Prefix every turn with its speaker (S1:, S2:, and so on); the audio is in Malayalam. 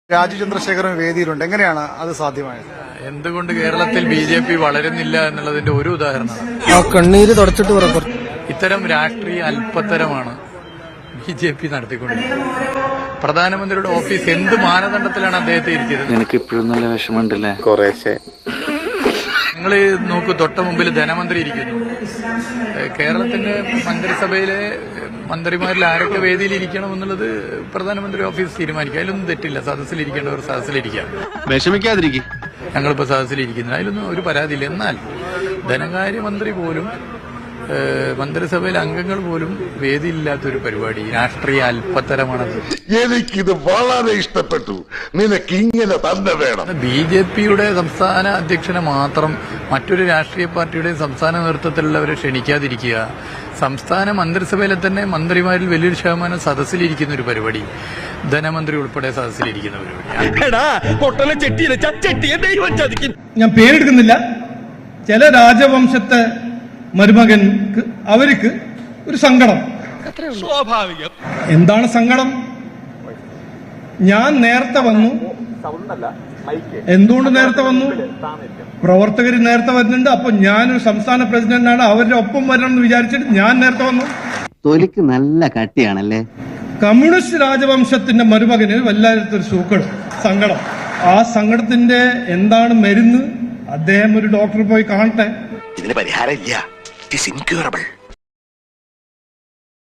S1: രാജീവ് ചന്ദ്രശേഖരൻ വേദിയിലുണ്ട്. എങ്ങനെയാണ് അത് സാധ്യമായത്?
S2: എന്തുകൊണ്ട് കേരളത്തിൽ ബി.ജെ.പി വളരുന്നില്ല എന്നുള്ളതിന്റെ ഒരു ഉദാഹരണമാണ്.
S3: കണ്ണീര് തുടച്ചിട്ട് പറ.
S2: ഇത്തരം രാഷ്ട്രീയ അല്പത്തരമാണ് ബി.ജെ.പി നടത്തിക്കൊണ്ടിരിക്കുന്നത്. പ്രധാനമന്ത്രിയുടെ ഓഫീസ് എന്ത് മാനദണ്ഡത്തിലാണ് അദ്ദേഹത്തെ ഇരിക്കുന്നത്?
S3: എനിക്ക് ഇപ്പോഴും നല്ല വിഷമമുണ്ടല്ലേ? കുറേശ്ശെ.
S2: നിങ്ങൾ നോക്കൂ, തൊട്ട മുമ്പിൽ ധനമന്ത്രി ഇരിക്കുന്നു. കേരളത്തിന്റെ മന്ത്രിസഭയിലെ മന്ത്രിമാരിൽ ആരൊക്കെ വേദിയിൽ ഇരിക്കണം എന്നുള്ളത് പ്രധാനമന്ത്രി ഓഫീസ് തീരുമാനിക്കുക. അതിലൊന്നും തെറ്റില്ല. സദസ്സിലിരിക്കേണ്ടവർ സദസ്സിലിരിക്കാം.
S3: വിഷമിക്കാതിരിക്കും.
S2: ഞങ്ങളിപ്പോൾ സദസ്സിലിരിക്കുന്നത്, അതിലൊന്നും ഒരു പരാതിയില്ല. എന്നാൽ ധനകാര്യമന്ത്രി പോലും മന്ത്രിസഭയിലെ അംഗങ്ങൾ പോലും വേദിയില്ലാത്തൊരു പരിപാടി രാഷ്ട്രീയ അല്പത്തരമാണത്.
S4: എനിക്കിത് വളരെ ഇഷ്ടപ്പെട്ടു. നിനക്ക് ഇങ്ങനെ തന്നെ വേണം.
S2: ബി.ജെ.പിയുടെ സംസ്ഥാന അധ്യക്ഷനെ മാത്രം മറ്റൊരു രാഷ്ട്രീയ പാർട്ടിയുടെ സംസ്ഥാന നേതൃത്വത്തിലുള്ളവരെ ക്ഷണിക്കാതിരിക്കുക, സംസ്ഥാന മന്ത്രിസഭയിലെ തന്നെ മന്ത്രിമാരിൽ വലിയൊരു ശതമാനം സദസ്സിലിരിക്കുന്ന ഒരു പരിപാടി, ധനമന്ത്രി ഉൾപ്പെടെ സദസ്സിലിരിക്കുന്ന പരിപാടി.
S5: ഞാൻ പേരെടുക്കുന്നില്ല. ചില രാജവംശത്തെ മരുമകൻക്ക് അവർക്ക് ഒരു സങ്കടം. സ്വാഭാവികം. എന്താണ് സങ്കടം? ഞാൻ നേരത്തെ വന്നു. എന്തുകൊണ്ട് നേരത്തെ വന്നു? പ്രവർത്തകർ നേരത്തെ വരുന്നുണ്ട്. അപ്പൊ ഞാനൊരു സംസ്ഥാന പ്രസിഡന്റാണ്, അവരുടെ ഒപ്പം വരണം എന്ന് വിചാരിച്ചിട്ട് ഞാൻ നേരത്തെ വന്നു.
S6: തൊലിക്ക് നല്ല കട്ടിയാണല്ലേ.
S5: കമ്മ്യൂണിസ്റ്റ് രാജവംശത്തിന്റെ മരുമകന് വല്ലാത്തൊരു സങ്കടം. ആ സങ്കടത്തിന്റെ എന്താണ് മരുന്ന്? അദ്ദേഹം ഒരു ഡോക്ടറെ പോയി കാണട്ടെ.
S4: ഇതിന് പരിഹാരം ഇല്ല. It is incurable.